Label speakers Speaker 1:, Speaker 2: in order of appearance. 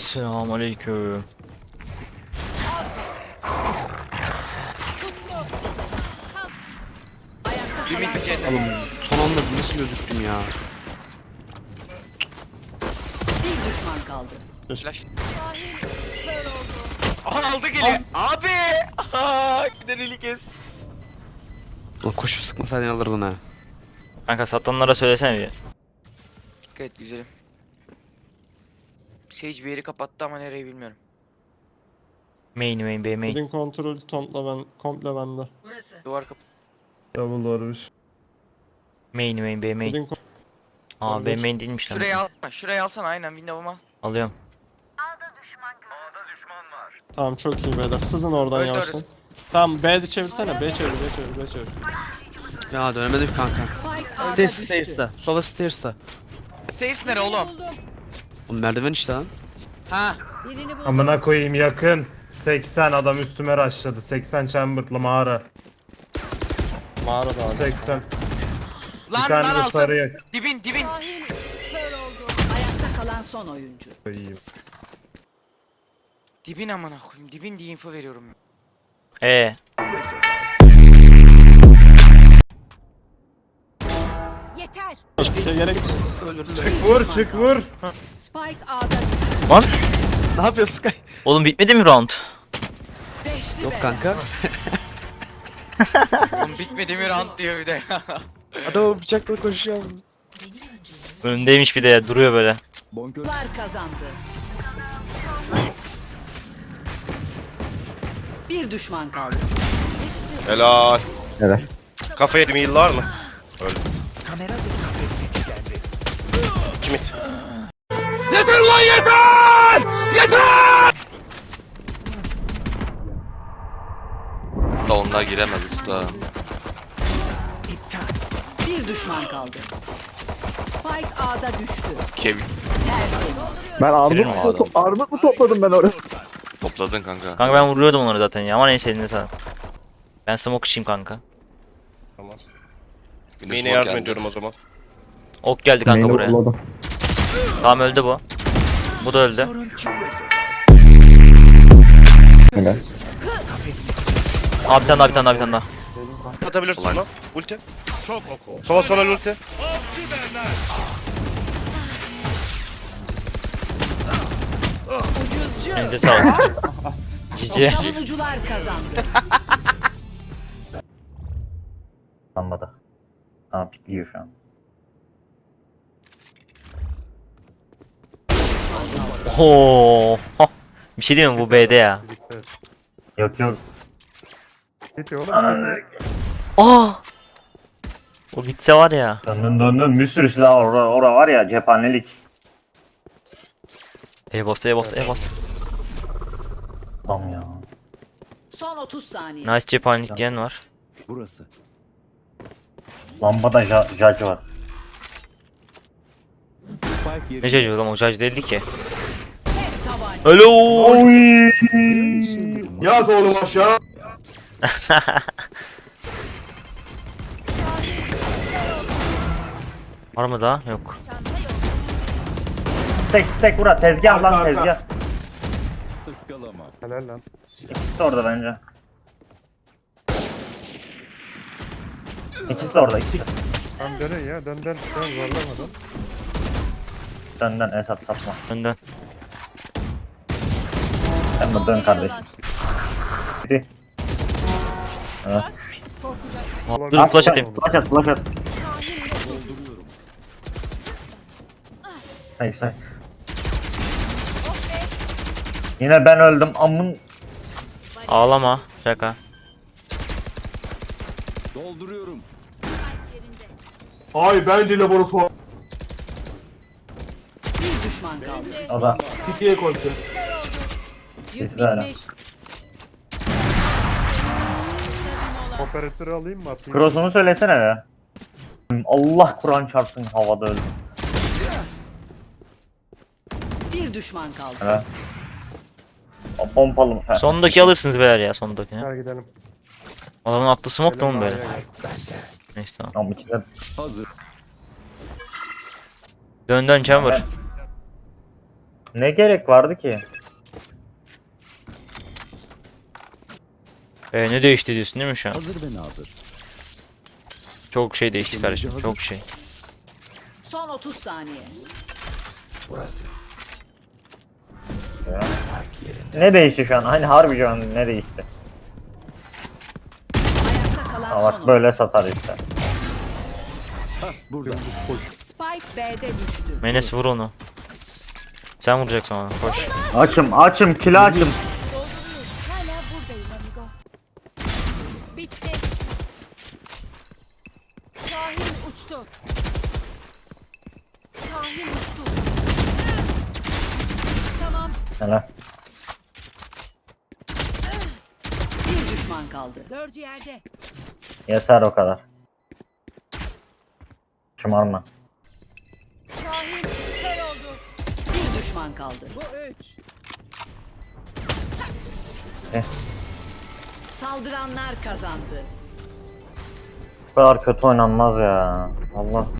Speaker 1: Selamünaleyküm.
Speaker 2: Oğlum son anda nasıl gözüktüm ya?
Speaker 3: Bir düşman kaldı.
Speaker 4: Flash. Aha aldı geliyor. Abi. Aha, giderili kes.
Speaker 2: Ulan koşup sıkmasaydın alırdın ha.
Speaker 1: Kanka satanlara söylesene bir.
Speaker 4: Dikkat et güzelim. Sage bir yeri kapattı ama nereyi bilmiyorum.
Speaker 1: Main B main.
Speaker 5: Kodin kontrolü komple bende.
Speaker 4: Duvar kapı.
Speaker 5: Double varmış.
Speaker 1: Main B main.
Speaker 5: Kodin
Speaker 1: Aa B main değilmiş lan.
Speaker 4: Şurayı al. Şurayı alsana aynen window'uma.
Speaker 1: Alıyorum.
Speaker 5: Tamam çok iyi beyler. Sızın oradan
Speaker 4: Öldü
Speaker 5: yavaştan.
Speaker 4: orası.
Speaker 5: Tamam B'de çevirsene. B çevir.
Speaker 2: Ya dönemedim kanka. Stairs'ta. Sola stairs'ta.
Speaker 4: Sage nere oğlum?
Speaker 2: Oğlum merdiven işte lan.
Speaker 4: Ha.
Speaker 3: Birini bul.
Speaker 6: Amına koyayım yakın. 80 adam üstüme rushladı. 80 chamber'lı mağara.
Speaker 5: Mağarada abi.
Speaker 6: 80. Bir
Speaker 4: Lan
Speaker 6: tane
Speaker 4: lan
Speaker 6: de
Speaker 4: altın.
Speaker 6: sarıya
Speaker 4: Dibin.
Speaker 3: Ayakta kalan son oyuncu.
Speaker 6: koyayım.
Speaker 4: Dibin amına koyayım. Dibin diye info veriyorum.
Speaker 3: Yeter.
Speaker 5: Gerek
Speaker 6: Çık vur.
Speaker 3: Spike A'da düştü.
Speaker 1: Lan
Speaker 2: Ne yapıyorsun Sky?
Speaker 1: oğlum bitmedi mi round?
Speaker 3: Beşli
Speaker 2: Yok
Speaker 3: bela.
Speaker 2: kanka.
Speaker 4: Oğlum bitmedi mi round diyor bir de.
Speaker 2: Adam bıçakla koşuyor.
Speaker 1: Önündeymiş bir de ya, duruyor böyle.
Speaker 3: Lar kazandı. Bir düşman kaldı.
Speaker 7: Helal. Evet. Kafa yedim yıllar mı? Öyle. Kimit?
Speaker 8: Da onlar giremez usta.
Speaker 3: Bir düşman kaldı. Spike A'da düştü.
Speaker 8: Kevin
Speaker 1: Verir mi o adam?
Speaker 9: Armut mu topladım ben oraya?
Speaker 8: topladın kanka.
Speaker 1: Kanka ben vuruyordum onları zaten ya ama neyse eline sağlık. Ben smoke içeyim kanka.
Speaker 7: Tamam.
Speaker 8: Bir de
Speaker 7: Main'e
Speaker 8: smoke
Speaker 7: yardım
Speaker 8: geldi.
Speaker 7: ediyorum o zaman.
Speaker 1: Ok geldi kanka buraya. Tamam öldü bu. Bu da öldü. Abi bir tane daha.
Speaker 7: Atabilirsin
Speaker 8: Ulan.
Speaker 7: lan. Ulti. Sola ulti.
Speaker 1: Elinize sağlık. Cici.
Speaker 3: Savunucular kazandı.
Speaker 9: Lambada. Aa pikliyor şu an.
Speaker 1: Oo. Bir şey diyeyim mi bu B'de ya?
Speaker 9: Yok.
Speaker 1: Aa. O gitse var ya.
Speaker 9: Döndün bir sürü silah orada var ya cephanelik.
Speaker 1: E-bas.
Speaker 9: Adam ya.
Speaker 3: Son 30 saniye.
Speaker 1: Nice cephanelik diyen var.
Speaker 9: Lambada judge var.
Speaker 1: Ne çocuğu lan o judge değildi ki.
Speaker 3: Tek tabanca.
Speaker 1: Hello.
Speaker 6: Yaz oğlum aşağı.
Speaker 1: Var mı daha? Yok.
Speaker 9: Stek vura tezgah lan
Speaker 6: Arka.
Speaker 9: tezgah.
Speaker 6: Helal lan.
Speaker 9: İkisi de orada bence. İkisi de orada ikisi.
Speaker 6: Tamam dönün ya dön zorlamadan.
Speaker 9: Dön Esat satma.
Speaker 1: Önden.
Speaker 9: Sen de dön kardeşim. Bitti. Evet.
Speaker 1: Dur flash atayım.
Speaker 9: Flash at. Neyse. Yine ben öldüm amın.
Speaker 1: Ağlama. Şaka.
Speaker 6: Ay bence laboratuvar.
Speaker 3: Bir düşman kaldı.
Speaker 9: O da
Speaker 6: City'ye koşsun.
Speaker 9: ikisi de öyle.
Speaker 6: Operatörü alayım mı atayım?
Speaker 9: Cross'unu söylesene be. Allah Kur'an çarpsın havada öldüm.
Speaker 3: Bir düşman kaldı.
Speaker 9: Evet. O pompalı mı?
Speaker 1: Sondaki alırsınız beyler ya sondakini.
Speaker 6: Gel gidelim.
Speaker 1: Adamın attığı smoke da mı böyle? Neyse tamam.
Speaker 9: Tamam içinde.
Speaker 1: Dön chamber.
Speaker 9: Ne gerek vardı ki?
Speaker 1: Ne değişti diyorsun değil mi şu an?
Speaker 10: Hazır ve nazır.
Speaker 1: Çok şey değişti kardeşim. Çok şey.
Speaker 3: Son 30 saniye.
Speaker 9: Ne değişti şu an? Hani harbi şu an ne değişti?
Speaker 3: Ayakta kalan
Speaker 9: Ha
Speaker 3: son
Speaker 9: bak
Speaker 3: oyun.
Speaker 9: böyle satar işte.
Speaker 10: Burada.
Speaker 3: Spike B'de düştü.
Speaker 1: Menes vur onu. Sen vuracaksın ona. Koş.
Speaker 9: Açım, kilo açım.
Speaker 3: Hala buradayım amigo. Bitti. Şahin uçtu. Şahin uçtu. Tamam.
Speaker 9: Hele.
Speaker 3: Bir düşman kaldı. Dördü yerde.
Speaker 9: Yeter o kadar. Şımarma.
Speaker 3: Şahin kör oldu. Bir düşman kaldı. Bu 3. Saldıranlar kazandı.
Speaker 9: Bu kadar kötü oynanmaz ya. Allah.